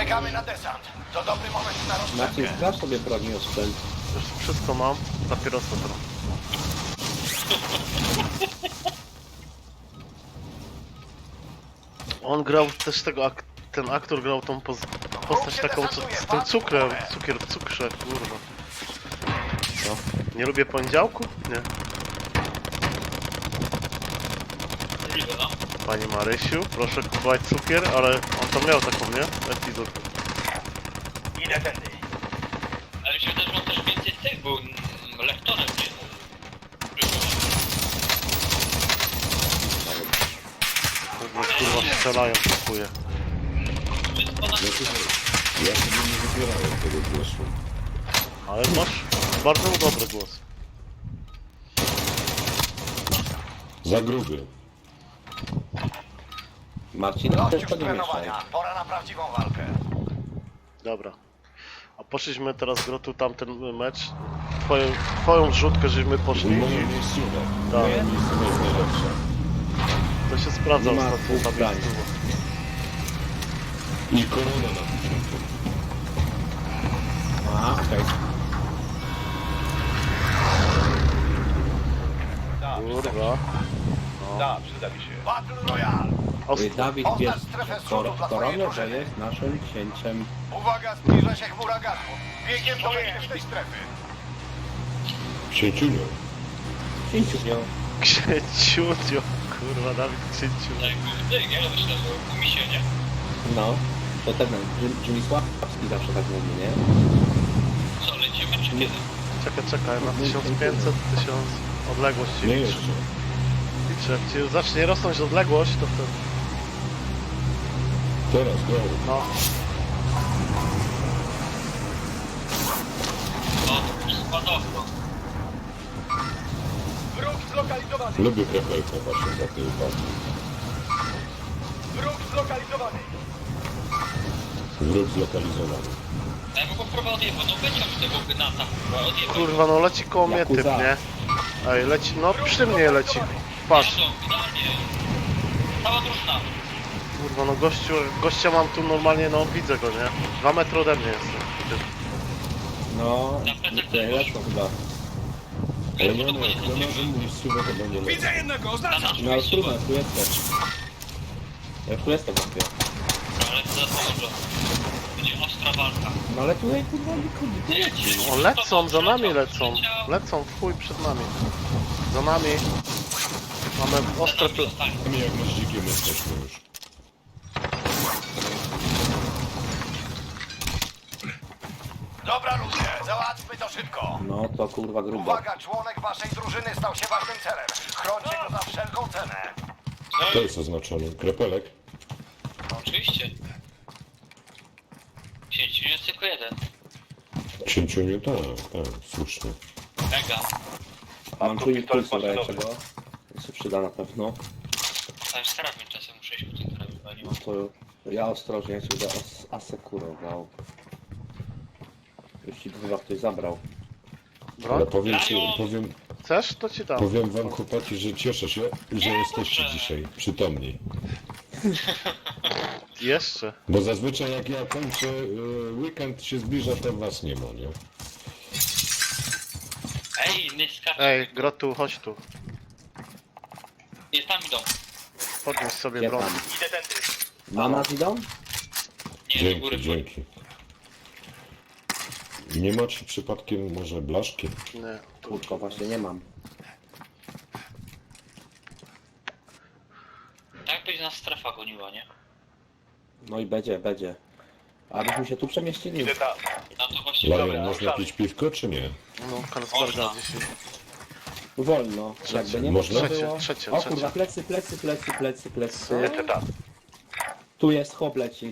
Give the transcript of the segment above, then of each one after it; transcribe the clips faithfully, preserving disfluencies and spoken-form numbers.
Czekamy na desant. To dobry moment na Marcin, rozgrzewkę. sprawdź sobie broni o sprzęt. Już wszystko mam, papierosa teraz. On grał też tego, ak ten aktor grał tą poz postać taką co, z tym cukrem, cukier w cukrze, kurwa. Co? Nie lubię poniedziałku? Nie. Pani Marysiu, proszę kupować cukier, ale on tam miał taką, nie? Epizod. Idę tędy. Ale mi się wydaje, że on też więcej tych był mm, lektorem, nie? Kurwa, kurwa strzelają, kupuję. Więc ponad... Ja sobie nie wybierałem tego głosu. Ale masz bardzo dobry głos. Za gruby. Marcin, Dość też już to nie mieszaj. trenowania. Pora na prawdziwą walkę. Dobra. A poszliśmy teraz Grotu tamten mecz. Twoją, twoją zrzutkę żeśmy poszli. Moje miejscowe. Tak. Moje miejscowe jest najlepsze. To się sprawdza Nie ma ostatnio dwóch ta zdań. miejscowa. I korona na początku. A, okej. Kurwa. Da, przyda mi się. Battle Royale. Okay. Dawid Oznacz wiesz, strefę kor zrzutu dla twojej koronę, że drużyny. jest naszym księciem. Uwaga, zbliża się chmura gazu. Biegiem do bezpiecznej strefy. Księciuniu. Księciu. Księciutio. Kurwa, Dawid księciu. Tak, ty, ja myślę, że u mi się, nie? No, to ten, Jimmy Sławski zawsze tak mówi, nie? Co, lecimy czy kiedy? Czekaj, czekaj, na tysiąc pięćset, tysiąc odległość ci Nie liczy. jeszcze. Liczy, jak ci zacznie rosnąć odległość, to wtedy... Teraz, go. No, No, to już spadowno. Wróg zlokalizowany. Lubię krepelkę właśnie za tej uwagi. Wróg zlokalizowany. Wróg zlokalizowany. Ja bym go próbował odjebać, no wyciąć tego gnata, kurwa, odjebać. kurwa, no leci koło mnie typ, Yakuza. nie? Ej, leci, no przy mnie leci. Patrz, Jadą, idealnie. Cała drużyna. kurwa, no gościu, gościa mam tu normalnie, no widzę go, nie? Dwa metry ode mnie jest. Typ. No, Na plecach tutaj też lecą chyba. Ale nie ma, jak nie ma miejscowe, to będzie lepiej. Widzę jednego, oznaczam. No ale trudno, tu jesteś. Ja już tu jestem, chłopie. Ale to za dużo. Będzie ostra walka. No ale tutaj kurwa nikogo nie leci. O, lecą, za nami lecą. Lecą, w chuj przed nami. Za nami. Mamy ostre ple... My jak my z dzikiem jesteśmy już. Dobra ludzie, załatwmy to szybko. No to kurwa grubo. Uwaga, członek waszej drużyny stał się ważnym celem. Chrońcie go za wszelką cenę. To jest oznaczony. Krepelek. No, oczywiście. Księciu jest tylko jeden. Księciuniu, tak, tak, słusznie. Mega. Mam tu impulsu dajeczego. To się przyda na pewno. Tam jest karabin czasem, muszę iść po ten karabin, bo ja nie mam. To ja ostrożnie się będę as asekurował. Już ci chyba ktoś zabrał. Ale Broń? powiem ci, powiem, Chcesz? To ci dam. powiem wam chłopaki, że cieszę się, że jesteście dzisiaj przytomni. Jeszcze. Bo zazwyczaj jak ja kończę, y, weekend się zbliża, to was nie ma, nie? Ej, nie skacz. Ej, Grotu, chodź tu. Nie, tam idą. Podnieś sobie Ja broń. tam. Idę tędy. Mama idą? Nie, do góry. Dzięki, dzięki. Nie macie przypadkiem może blaszki? Nie. Tu. Kurko, właśnie nie mam. Tak będzie nas strefa goniła, nie? No i będzie, będzie. A byśmy się tu przemieścili. Idę tam. No to właśnie Lajon, dobra. można pić piwko, czy nie? No, Karlsberga Można. dzisiaj. Wolno. Jakby nie Można? można było. Trzecie, trzecie, O trzecie. kurwa, plecy, plecy, plecy, plecy, plecy. Jeszcze tam. Tu jest chłop leci.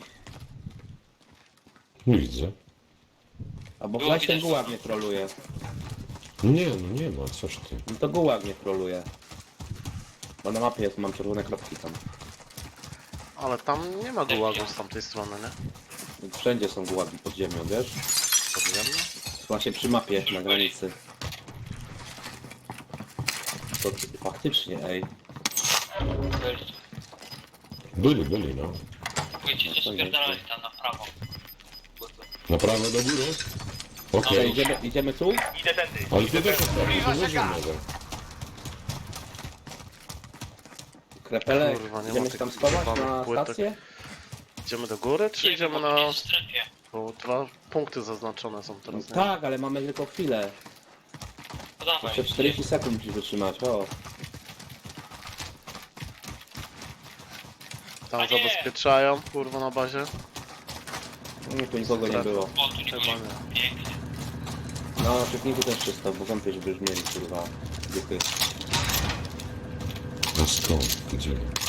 Nie widzę. Albo Było właśnie ten widać. gułag nie troluje. Nie, no nie ma, coś ty. No to gułag nie troluje. Bo na mapie jest, mam czerwone kropki tam. Ale tam nie ma gułagu z tamtej strony, nie? Wszędzie są gułagi pod ziemią, wiesz? Podjemno? Właśnie przy mapie na granicy. To faktycznie, ej. Byli, byli, no. Wiecie, że spierdalali tam na prawo. Na prawo do góry? To Okej, idziemy, idziemy tu? Idę tędy. ale ty też ostatnio Zbliża to się może gaz. mogę. Krepelek, Kurwa, nie ma idziemy się tych tam schować kurwa na płytek. stację? Idziemy do góry, czy Nie, idziemy bo na... jest w strefie. Bo dwa punkty zaznaczone są teraz, nie? Tak, ale mamy tylko chwilę. No dawaj. Jeszcze czterdzieści sekund musisz wytrzymać, o. Tam A nie! zabezpieczają, kurwa, na bazie. Nie, tu nikogo nie było. O, tu nikogo Chyba nie. nie. Pięknie. No, na czepniku też czysto, bo wątpię, żeby już mieli, kurwa, duchy. No skąd? Gdzie?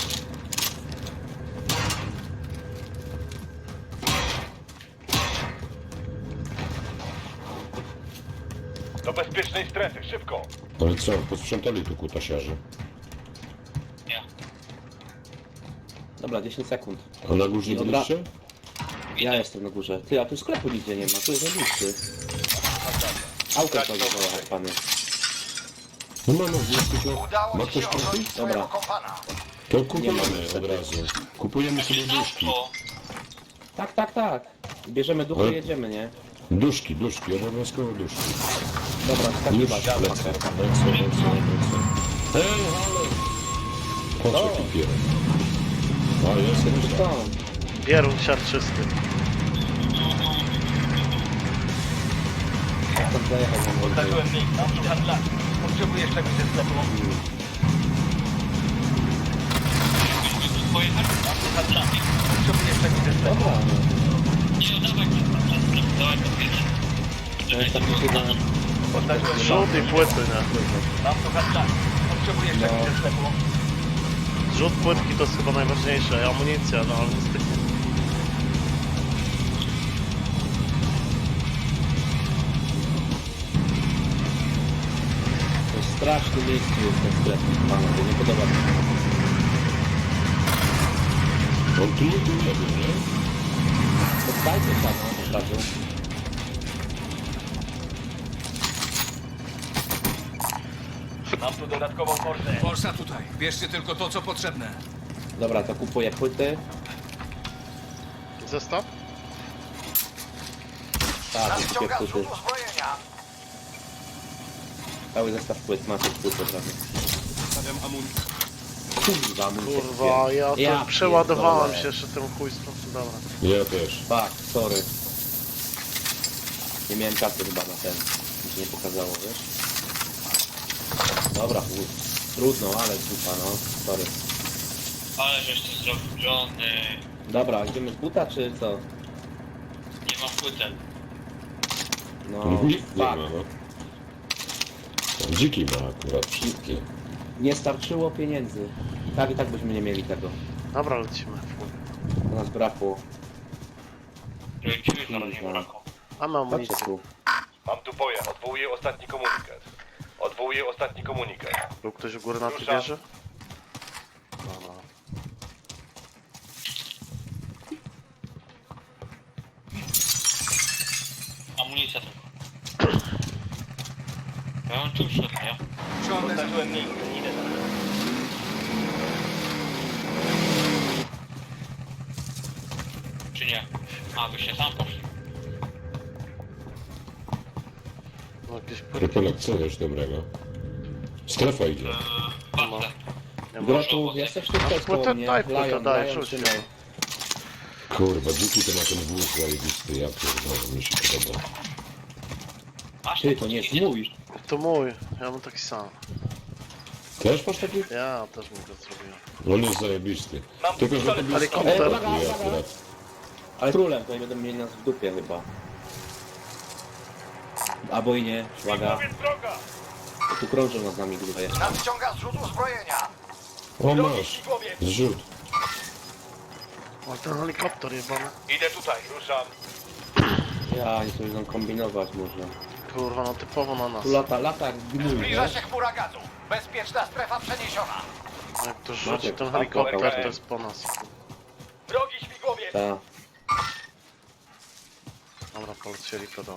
Do bezpiecznej strefy, szybko. Ale co, posprzątali tu kutasiarze. Ja. Dobra, dziesięć sekund. A na górze Dobra. byliście? Ja jestem na górze. Ty, a tu sklepu nigdzie nie ma, tu jest najbliższy. Auto to zawoła, pany. No mamy wniosek, no. Udało Ma ci się ktoś punkty? ochronić swojego Dobra. kompana. To Nie kupujemy ma od niestety. razu. Kupujemy sobie duszki. Auto. Tak, tak, tak. Bierzemy duchy Ale- i jedziemy, nie? Duszki, duszki, obowiązkowo duszki. Dobra, Już skakiwać. lecę, lecę, lecę, lecę. Hej, halo! Po co O. ty pierę? A, jest, jest. Stąd. Bierun siarczysty. Stąd zajechał na mnie. Oddarzyłem link, mam tu handlarz. Potrzebuję czegoś ze sklepu. Pojechać? Mam tu handlarz. Potrzebuję czegoś ze sklepu. Dobra, no. Nie, no dawaj, dawaj to pierwsze. To jest taki chyba... Oddarzyłem link. Zrzut i płyty, nie? Mam tu handlarz. Potrzebuję czegoś ze sklepu. Zrzut płytki to jest chyba najważniejsze, amunicja, no ale niestety. To jest straszny miejscu jest ten sklep, panowie, nie podoba mi się. On tu nigdy nie był, nie? Poddajcie tam, no, od razu. Mam tu dodatkową forsę. Forsa tutaj. Bierzcie tylko to, co potrzebne. Dobra, to kupuję płyty. Zestaw? Tak, kupuję Nadciąga płyty. zrzut uzbrojenia. Cały zestaw płyt, macie płyty od razu. Stawiam amunicję. Kurwa, amunicja Kurwa, ja to Ja przeładowałem pierdolę. się jeszcze tym chujstwem, dobra. Ja też. Tak, sorry. Nie miałem kasy chyba na ten. Mi się nie pokazało, wiesz? Dobra, chuj. Trudno, ale dupa, no. Sorry. Ale żeś to zrobił, Johnny. Dobra, idziemy z buta, czy co? Nie ma płytek. No, Nikt nie ma, fuck. no. Dziki ma akurat wszystkie. Nie starczyło pieniędzy. Tak i tak byśmy nie mieli tego. Dobra, lecimy. To nas brakło. Lecimy zaraz nie Kurwa. brakło. Mamy Chodźcie amunicję. tu. Mam tu pojazd. Odwołuję ostatni komunikat. Odwołuję ostatni komunikat. Był ktoś u góry na tej Ruszam. wieży? Dobra. Amunicja tylko. Ja mam tu szedł, nie? Ciągnę za... Oddarzyłem link. Idę za nim. Czy nie? A, byście sam poszli. No jakieś płytki. Krypelek, co wiesz dobrego? Strefa idzie. Patrzę. Nie ma. Grotu, jesteś tutaj Masz płytę? koło mnie. Daj płytę, Lion, daj, Lion, rzuć ją. trzymaj. Kurwa, dziki to ma ten wóz zajebisty, ja pierdolę, mi się podoba. Masz Ty, tam to nie jest płytki? mój. To mój, ja mam taki sam. Też masz taki? Ja też mu go zrobiłem. On jest zajebisty. Mam Tylko, że to był Helikopter. stary Uwaga, uwaga. akurat. Ale królem, to nie będą mieli nas w dupie chyba. Albo i nie, uwaga. droga! Tu krążą nad nami gruba jeszcze. Nadciąga zrzut uzbrojenia. O, masz. Zrzut. O, ten helikopter jebany. Idę tutaj, ruszam. Ja, oni sobie będą kombinować może. Kurwa, no typowo na nas. Tu lata, lata jak gnój, Zbliża wiesz? się chmura gazu. Bezpieczna strefa przeniesiona. A jak to rzuci Maciek, ten a, helikopter, dobra. to jest po nas. Drogi śmigłowiec. Ta. Dobra, polecieli pedały.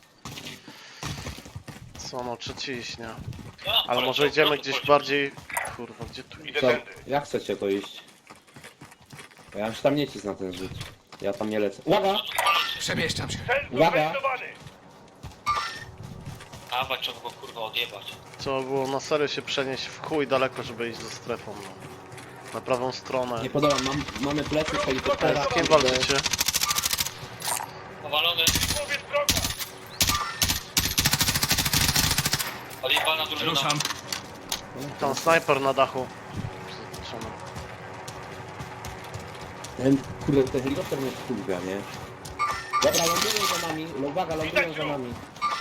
Co no, czy ciśnie? Ja, Ale może idziemy gdzieś bardziej... Kurwa, gdzie tu iść? Idę Co? tędy. Jak chcecie to iść? Bo ja już tam nie cisnę na ten rzut. Ja tam nie lecę. Uwaga! Przemieszczam się. Uwaga! A, bo trzeba go kurwa odjebać. Trzeba było na serio się przenieść w chuj daleko, żeby iść ze strefą. No. Na prawą stronę. Nie podoba, mam, mamy plecy z helikoptera. Z kim walczycie? Powalony. Odjebana drużyna. Ruszam. Tam snajper na dachu. Zaznaczony. Ten, kurde, ten helikopter mnie wkurwia, nie? Dobra, lądują za nami. Uwaga, lądują za nami.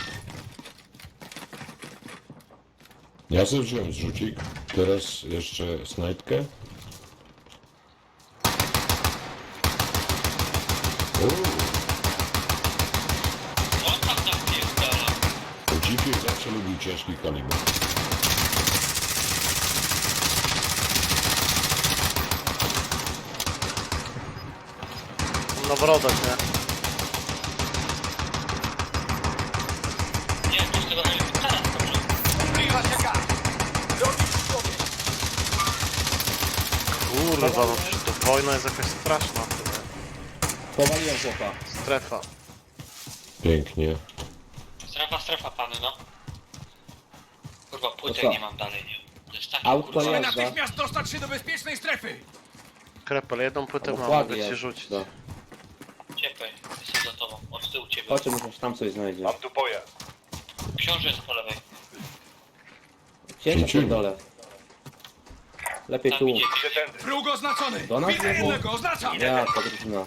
Ja sobie wziąłem zrzucik. Teraz jeszcze snajpkę. Uuu, On tam napierdala. dziki zawsze lubił ciężki kaliber. Na wrodach, nie? Nie, to z tego helikoptera skoczył. Zbliża się gaz. Drogi człowiek. Kurwa, no przecież to wojna jest jakaś straszna. Powaliłem chłopa. Strefa. Pięknie. Strefa, strefa, pany, no. Kurwa, To płytek co? nie mam dalej, nie? To jest taki Auto kurwa... Musimy jazda. natychmiast dostać się do bezpiecznej strefy. Krepel, jedną płytę mam, Dokładnie. mogę ci rzucić. No. Ciepłej, jestem za tobą, od tyłu ciebie. Chodź, może tam coś znajdzie. tu pojazd. Książę jest po lewej. Ciężko Cięciu. pierdolę. Lepiej Tam tu. idzie, Wróg oznaczony. Do nas Widzę znowu? jednego, oznaczam. Ja, to drużyna.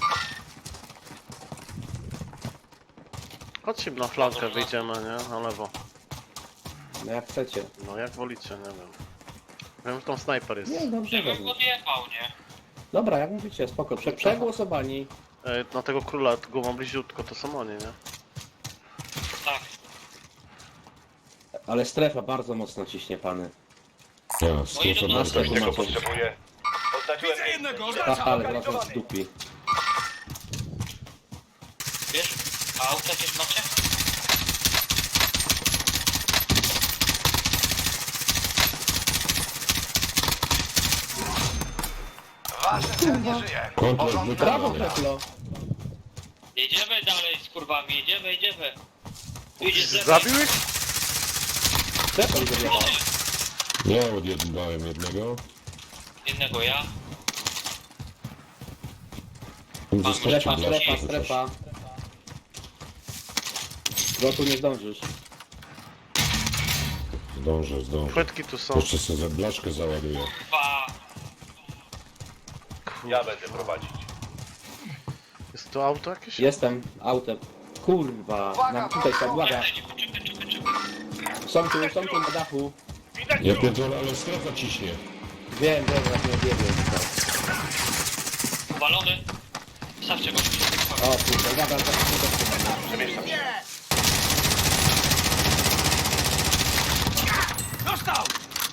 Chodźcie na flankę, wyjdziemy, nie? Na lewo. No jak chcecie. No jak wolicie, nie wiem. Wiem, że tam snajper jest. Nie, dobrze, Żebym dobrze. go odjebał, nie? Dobra, jak mówicie, spoko. Prze przegłosowani. E, na tego króla, go mam bliziutko, to są oni, nie? Tak. Ale strefa bardzo mocno ciśnie, pany. Ja, strefa idą bardzo na mocno. macie. Potrzebuję. Oznaczyłem Widzę jednego, Ha, oznaczam. ale zaraz nas zdupi. Wiesz? A auto jakieś macie? Wasz cel nie żyje. Komplet Porządek. Brawo, wykonany. Kretlo. Jedziemy dalej z kurwami, jedziemy, jedziemy. Idzie z lewej. Zabił ich? Strefa mi zabiegała. Ja odjebałem jednego. Jednego ja. Zostawcie Strefa, blaszkę strefa, chociaż. strefa. Do tu nie zdążysz. Zdążę, zdążę. Płytki tu są. Jeszcze sobie za blaszkę załaduję. Dwa. Ja będę prowadzić. Jest to auto jakieś? Jestem autem. Kurwa, nam tutaj są, uwaga. Czekaj, czekaj, czekaj, czekaj. Są tu, są tu na dachu. Ja pierdolę, ale strefa ciśnie. Wiem, wiem, jak nie biegłem. Uwalony. Stawcie go. O kurwa, uwaga, zaraz nie Przemieszczam się. Dostał.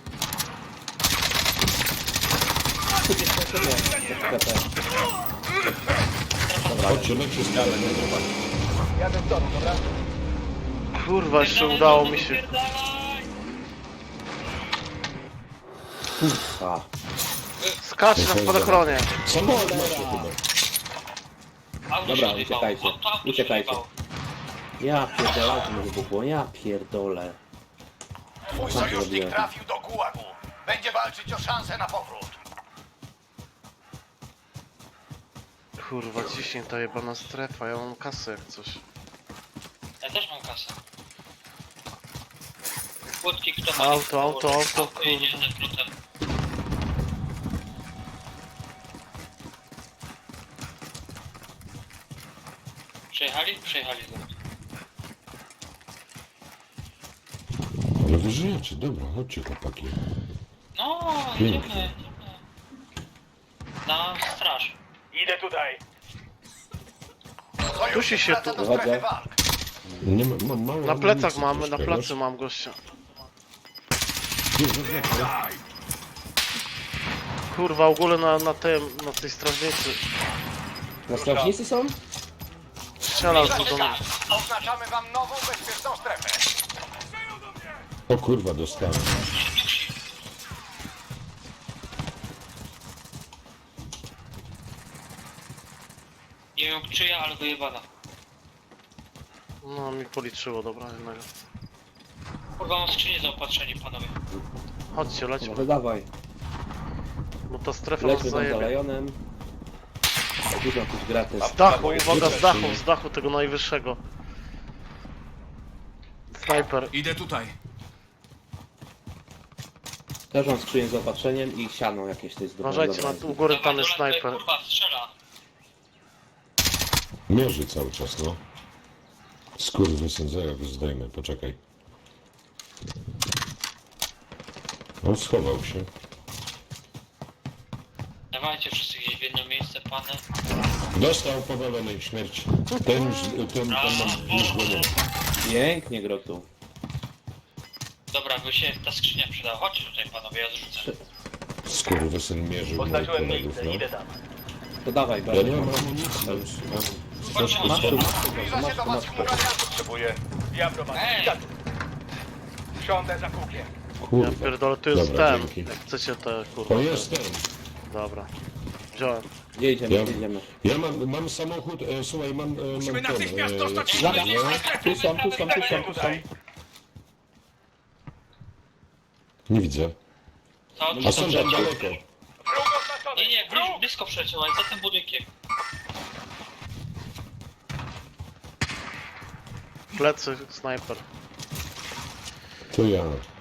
Chodźcie, lećcie z dalej. Jadę z domu, dobra? Kurwa, jeszcze udało mi się. Pierdalaj. Kurwa. Skacz na spadochronie. Samochód macie chyba. Auto Dobra, się zjebało. uciekajcie, Auto, auto się uciekajcie. zjebało. Ja pierdolę, auto mi wybuchło, ja pierdolę. Twój Co sojusznik zrobiłem? trafił do gułagu. Będzie walczyć o szansę na powrót. Kurwa, ciśnie ta jebana strefa, ja mam kasę jak coś. Ja też mam kasę. Płotki, kto ma... Auto, auto, auto, Auto jedzie ze skrótem. Przejechali? Przejechali. Ale wy żyjecie, dobra, chodźcie chłopaki. No, Pięknie. idziemy. Na straż. Idę tutaj. Dusi się tu. do strefy Uwaga. walk. Nie ma, mam mało Na plecach amunicji mamy, na troszkę, plecy wiesz? mam gościa. Nie, zaznaczę. Kurwa, w ogóle na, na tym, na tej strażnicy. Na strażnicy są? Strzelał tu do mnie. Tak. Oznaczamy wam nową bezpieczną strefę. O kurwa, dostałem. Nie wiem czyja, ale wyjebana. No mi policzyło, dobra, jednego. Kurwa, mam skrzynię zaopatrzenie, panowie. Chodźcie, lećmy. Może dawaj. Bo ta strefa nas Lećmy tam za zajebie. Lionem. Dużo jakiś gratis. Z dachu, uwaga, z dachu, z dachu tego najwyższego. Snajper. Idę tutaj. Też mam skrzynię z opatrzeniem i siano jakieś to jest Uważajcie, na, u góry tam jest Dawaj, snajper. kurwa, strzela. Mierzy cały czas, no. Skurwysyn, zaraz go zdejmę, poczekaj. On schował się. Dawajcie wszyscy gdzieś w jedno miejsce, pany. Dostał powalonej śmierci. Ten już, ten, ten mam już go nie. Pięknie, Grotu. Dobra, by się ta skrzynia przydała. Chodźcie tutaj, panowie, ja zrzucę. Skurwysyn mierzył moich kolegów, no. To dawaj, Ja Bartek. nie mam amunicji. Chodźcie, Masz tu, Zbliża się masz do tu, was masz tu. chmura gazu. Potrzebuję. Ja prowadzę. Ej! Siądę za kółkiem. Ja Kurwa. pierdolę, tu jest Dobra, ten. dzięki. Jak chcecie te kurwa. To te- jest ten. Dobra. Wziąłem. Gdzie idziemy, Ja, gdzie idziemy? ja mam, mam samochód, e, słuchaj, mam, e, Musimy mam ten, natychmiast e, dostać się do Zaga, bezpiecznej strefy. tu są, tu są, tu są, tu są. nie widzę. Co? A są tam daleko. Wróg oznaczony. Nie, nie, bliż, blisko przeciął, ale za tym budynkiem. Plecy, snajper. To ja.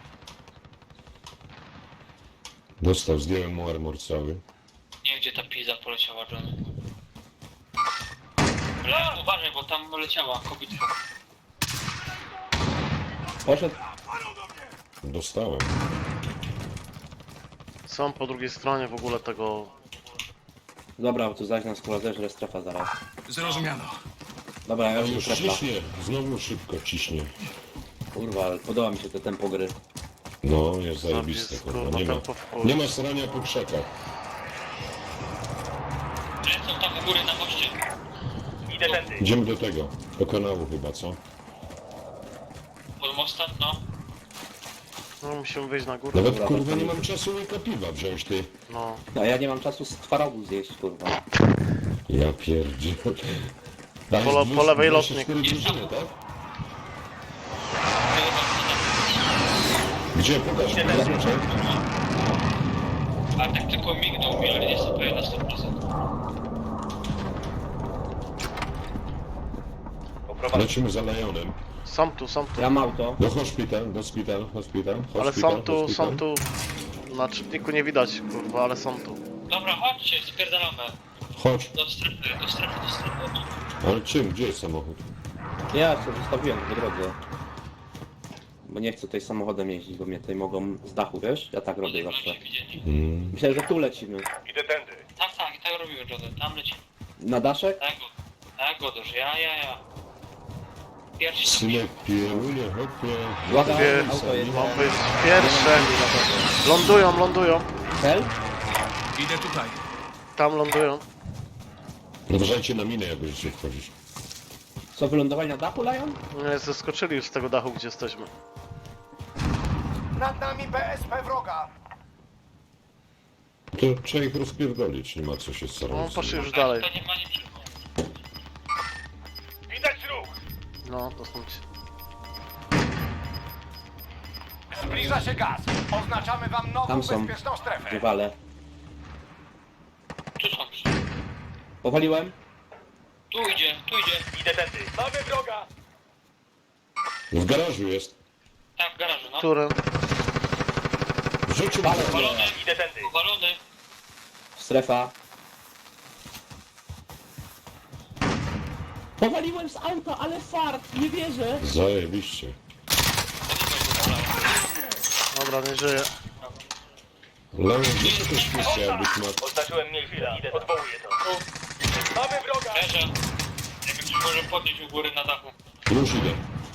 Dostał, zdjąłem mu armor cały. Nie wiem, gdzie ta pizza poleciała, John. Ale uważaj, bo tam leciała kobitka. Poszedł. Dostałem. Są po drugiej stronie w ogóle tego. Dobra, bo tu zaś nas kurwa zeżre strefa zaraz. Zrozumiano. Dobra, ja A już tu już strefa. ciśnie, znowu szybko ciśnie. Kurwa, ale podoba mi się to tempo gry. No, jest zajebiste, Zapis, kurwa, kurwa, nie ma. tempo w chuj. Nie ma srania po krzakach. Lecą tam u góry na moście. Idę tędy. Idziemy do tego, do kanału chyba, co? Pod mostem, no. No musimy wyjść na górę. Nawet Dobra, kurwa to- nie mam czasu łyka piwa wziąć, ty. No. A ja nie mam czasu z twarogu zjeść, kurwa. Ja pierdzie. Po le- po lewej lotnik. Drużyny, tak? Gdzie? Pokaż mi. A tak tylko mignął mi, ale nie jestem pewien na sto procent. Lecimy za Lionem. Są tu, są tu. Ja mam auto. Do hospital, do szpital, hospital, hospital, Ale są tu, hospital. są tu. Na czytniku nie widać, kurwa, ale są tu. Dobra, chodźcie, spierdalamy. Chodź. Do strefy, do strefy, do strefy. Ale czym? Gdzie jest samochód? Ja się zostawiłem po drodze. Bo nie chcę tutaj samochodem jeździć, bo mnie tutaj mogą z dachu, wiesz? Ja tak robię zawsze. się widzieli. Mm. Myślę, że tu lecimy. Idę tędy. Tak, tak, tak robimy, Johnny. Tam leci. Na daszek? Tak, go. Tak, Godosz, ja, ja, ja. Pierwszy to Synek pierunie, hopie. Uwaga, Wie- auto jest. Mam być pierwsze. Lądują, lądują. Cel? Idę tutaj. Tam lądują. Uważajcie na minę, jak będziecie wchodzić. Co, wylądowali na dachu, Lion? Nie, zeskoczyli już z tego dachu, gdzie jesteśmy. Nad nami B S P wroga. To trzeba ich rozpierdolić, nie ma co się No, starać. poszli już dalej. To nie ma niczego. Widać ruch. No, to są ci. Zbliża się gaz. Oznaczamy wam nową Tam są. bezpieczną strefę. Wywalę. Tu są. Powaliłem? Tu idzie, tu idzie. Idę tędy. Mamy wroga. W garażu jest. Tak, w garażu, no. Który? W życiu Uwalony, Idę tędy. uwalony. Strefa. Powaliłem z auta, ale fart, nie wierzę. Zajebiście. Dobra, nie żyje. Leon, gdzie to też kwestia, jakbyś ma... Oznaczyłem miejsce. Idę. Odwołuję to. Mamy wroga. Leżę. Nie wiem, czy może podnieść u góry na dachu. Już idę.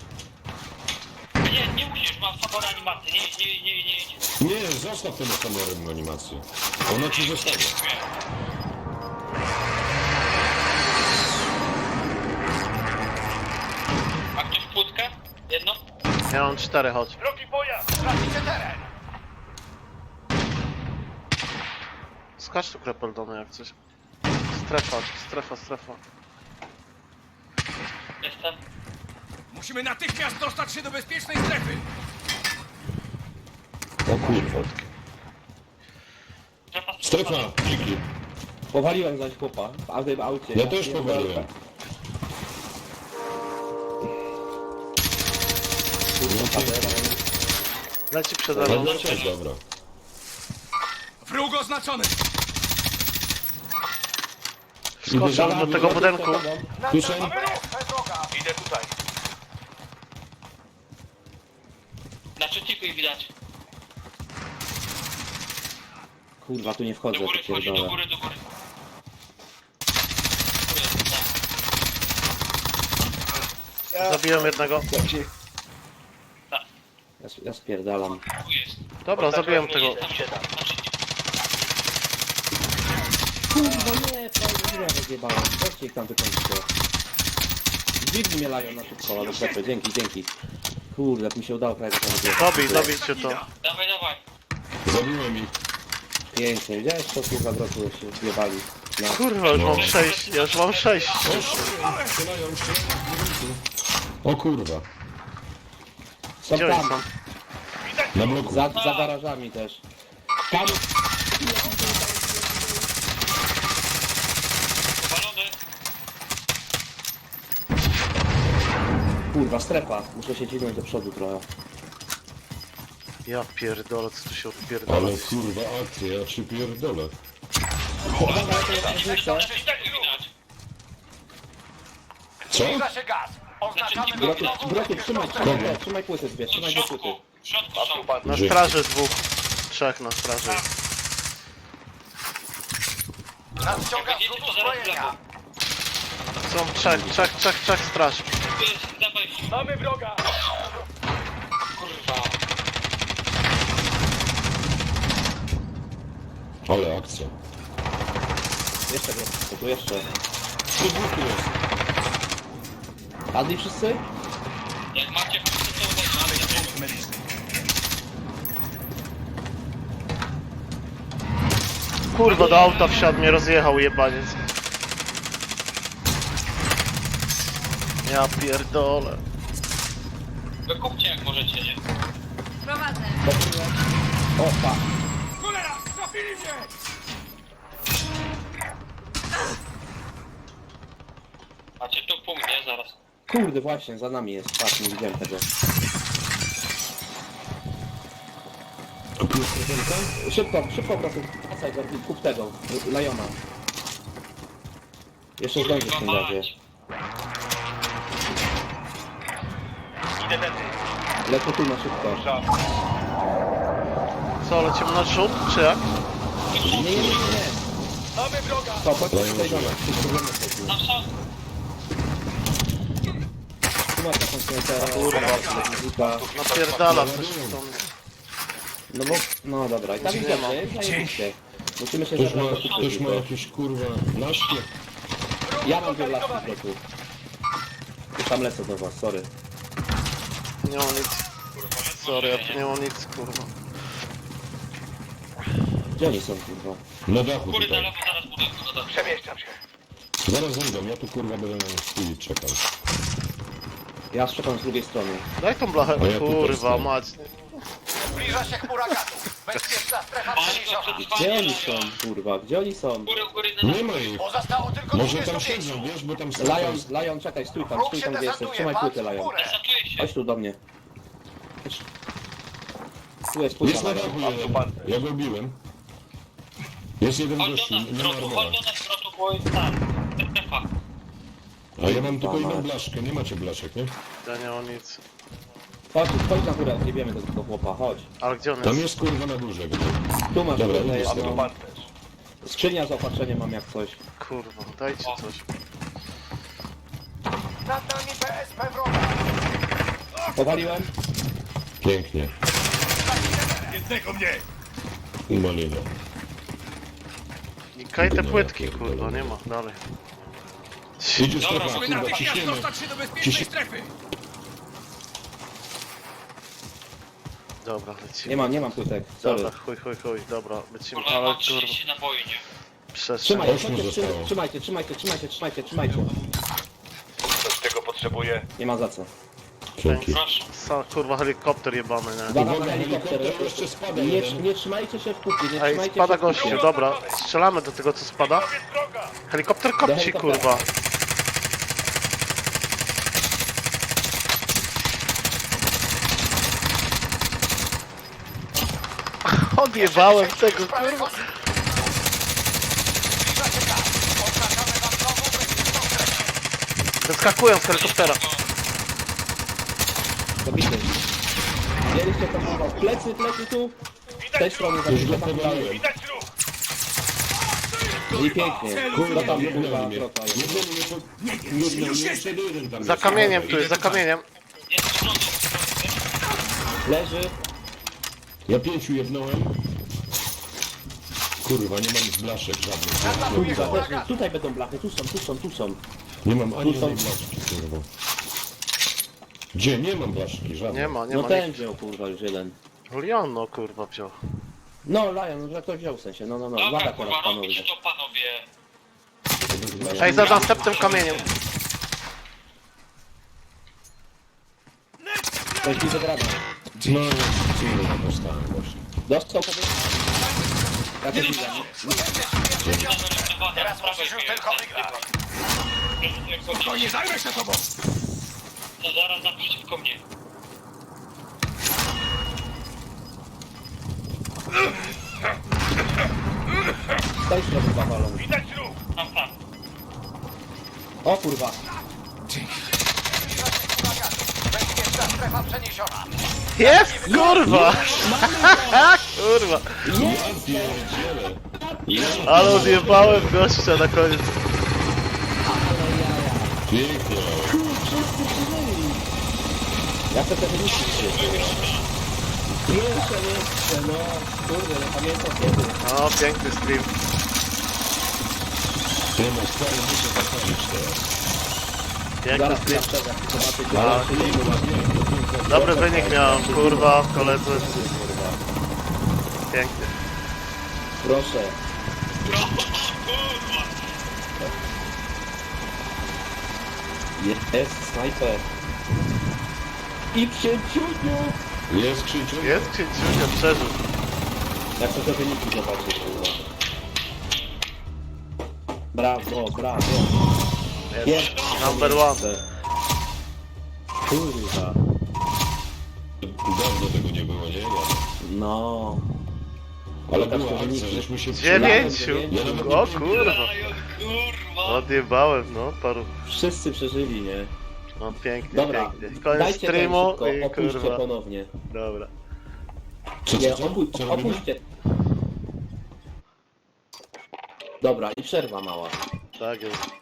Nie, nie musisz, mam samą animację. Nie, nie, nie, nie, nie. Nie, zostaw tę kamerę animację. Ona ci zostanie. Ma ktoś płótkę? Jedno? Ja mam cztery, chodź. Drogi pojazd. Tracicie teren. Skacz tu krepeldony jak coś. Strefa, strefa, strefa. Jestem. Musimy natychmiast dostać się do bezpiecznej strefy. O kurwa. Strefa, Strefa, dziki. Powaliłem zaś chłopa w aucie. w aucie. Ja też pierdolę. powaliłem. Kurwa, padera. Leci przede mną. No też dobra. Wróg oznaczony. Skoczę do tego budynku. Słyszę? Wyruszaj droga! Idę tutaj. Na czytniku ich widać. Kurwa, tu nie wchodzę, Do góry to wchodzi, do pierdolę. góry, do góry. Zabiłem jednego. Ja, ja spierdalam. Tu jest. Dobra, zabiłem tego. Tam się da. Na czytniku. Kurwa, nie, prawie nie rozjebałem. Weźcie ich tam wykończycie. Dźwigni mnie lają na szybko, ale dobrze, dzięki, dzięki. Kurde, jak mi się udało prawie tam wyjechać. Dobij, dobijcie to. Dawaj, dawaj. Zabiłem ich. Pięknie, widziałeś co kurwa wrotu się zjebali. No. Kurwa, już mam sześć, ja już mam sześć. Strzelają, strzelają. O kurwa. Są Gdzie oni tam, są? Na bloku. za, za garażami też. Tam, Powalony. kurwa, strefa. Muszę się dźwignąć do przodu trochę. Ja pierdolę, co tu się odpierdolę. Ale kurwa akcja, ja ci pierdolę. Coś tak widać. Co? Zbliża się gaz. Oznaczamy Brotu, nową brotu, trzymaj, bezpieczną trzymaj, trzymaj płyty zbierz, W trzymaj do płyty. środku. W środku są. Na straży dwóch. Trzech na straży. Nadciąga Jak zrzut będziecie, to zaraz uzbrojenia. Są trzech, trzech, trzech, trzech straży. Tu jest za wejściem. Mamy wroga! Kurwa. Ale akcja. Jeszcze, jeszcze, tu jeszcze. Tu dwóch tu jest. Padli wszyscy? Jak macie wszyscy, to uważajcie. Punkt medyczny. Kurwa, do auta wsiadł, mnie rozjechał jebaniec. Ja pierdolę. Wykupcie jak możecie, nie? Prowadzę. O, pa. Cholera! Trafili mnie! Macie tu punkt, nie? Zaraz. Kurde, właśnie, za nami jest. Patrz, nie widziałem tego. Szybko, szybko, proszę. Wracaj go, kup tego. Lajona. Jeszcze zdążysz w tym Kurwa razie. mać. Lecę tu na szybko. Co, lecimy na rzut, czy jak? Nie, nie, nie, nie. To, chodź tutaj do nas. Tu problemy są. Tam są. Tu masz taką snajpera. Kurwa. Napierdala coś stąd. No bo, no dobra. I tak Nie idziemy, ma. zajebiście. Musimy się Ktoś ma, zebrać do ktoś ma kupy. jakieś kurwa naszkie? Ja mam dwie laski w bloku. Już tam lecę do was, sorry. Nie mam nic. Sorry, ja tu nie mam nic, kurwa. Gdzie oni są, kurwa? Na dachu Góry na tutaj. lewo, zaraz budynku. No dobrze. Przemieszczam się. Zaraz zejdą, ja tu kurwa będę na chwili czekał. Ja szczepam z drugiej strony. Daj tą blachę, A ja tu też kurwa stoję. mać. Zbliża się chmura gazu. Bezpieczna strefa Bardzo przeniesiona. przetrwanie. Gdzie oni są, kurwa? Gdzie oni są? Góry, góry na Nie ma ich. Pozostało tylko Może tam dwadzieścia pięć. siedzą, wiesz, bo tam strefa Lion, jest. Lion, czekaj, stój tam, Wróg stój się tam gdzie jesteś. desantuje, Trzymaj patrz płytę, w Lion. górę. Desantuje się. Chodź tu do mnie. Chodź. Tu jest płyta, Jest na dachu Lion. jeden. Ja go biłem. Jest jeden Chodź gościu, do nas, nie ma wrotu, armora. chodź do nas, wrotu, bo jest tam. Strefa. A ja mam tylko Mać. jedną blaszkę, nie macie blaszek, nie? Ja nie mam nic. Chodź, chodź na górę, nie wiemy do tego chłopa, chodź. Ale gdzie on Tam jest? jest kurwa na górze. gdzie? Tu masz Dobra, płytę idę z jedną. tobą. Skrzynia z opatrzeniem mam jak coś. Kurwa, dajcie coś. Nad nami P S P wroga. Powaliłem? Pięknie. Jednego mnie! Umalina. I kaj te No ja płytki, pierdolę. kurwa, nie ma, dalej. Idzie Dobra, strefa, Musimy kurwa, natychmiast ciśniemy. dostać się do bezpiecznej Ciśnie- strefy. Dobra, lecimy. Nie mam, nie mam płytek, sorry. Dobra, chuj, chuj, chuj, dobra, lecimy, Kurwa, ale mam kurwa, trzydzieści naboi, nie? przestrzeń. Trzymaj, Osiem chodźcie, zostało. trzymajcie, trzymajcie, trzymajcie, trzymajcie, trzymajcie. potrzebuję. Nie ma za co. Dzięki. Proszę. Sa, kurwa, helikopter jebany, nie? Uwaga na Uwaga, helikopter. helikopter jeszcze spada Nie, jeden. nie trzymajcie się w kupie, nie Ej, trzymajcie spada się w kupie. gościu, dobra. Strzelamy do tego, co spada. Helikopter kopci, helikoptera. kurwa. Odjebałem tego, kurwa. Wyskakują z helikoptera. Zabity. Widzieliście to chyba. Plecy, plecy tu. Z tej strony Już zabity. go Tam podałem. dalej. I pięknie. Kurwa, Co tam jednęli kurwa mnie. trota jest? Jednęli mnie po... Jednęli mnie, jeszcze jeden tam Za jest. kamieniem tu jest, za kamieniem. Jest przodu. Leży. Ja pięciu jednąłem. Kurwa, nie mam blaszek żadnych. Kurwa, też nie. Tutaj będą blachy. Tu są, tu są, tu są. Nie mam ani Tu są- jednej blaszki, kurwa. Gdzie? Nie mam blaszki żadnej. Nie ma, nie No ma ten nic. wziął kurwa już jeden. Leon, no kurwa, wziął. No Lion, że ktoś wziął w sensie. No, no, no. Dobra, Lada kurwa, teraz panowie. robić to, panowie. Ej, za następnym kamieniem. Ktoś mi zagrada. No, ja dostałem właśnie. Dostał sobie. Ja też widzę. Teraz musisz już tylko wygrać. To nie zajmę się tobą! No zaraz naprzeciwko mnie. Z tej strony zawalony. Widać ruch! Tam, tam. O kurwa. Bezpieczna strefa przeniesiona. Jest, kurwa! Kurwa. Ja pierdzielę. Ale odjebałem gościa na koniec. Pięknie. Ja chcę te wyniki przyjść. Pierwsze miejsce, no. Kurde, nie pamiętam kiedy. O, piękny stream. Ty no, stary, muszę zapalić teraz. Piękny Zaraz stream. ja jak zobaczę, A, gdzie Dobry wynik miałem, kurwa, koledzy. Piękny. Proszę. Jest snajper. I księciuniu! Jest Krzyciu? Jest księciunia, przeżył. Ja chcę te wyniki zobaczyć, kurwa. Brawo, brawo. Jest. Number one. Kurwa. Dawno tego nie było, nie? No. Ale Pokaż była te akcja, wyniki. żeśmy się Dziewięciu. Ja nawet O nie kurwa. Lion, kurwa. Odjebałem, no, paru. Wszyscy przeżyli, nie? No pięknie, Dobra, pięknie. Koniec dajcie ten streamu szybko, i opuśćcie kurwa. ponownie. Dobra. Co, Nie, co, co? opu Co robimy? opuśćcie. Dobra, i przerwa mała. Tak jest.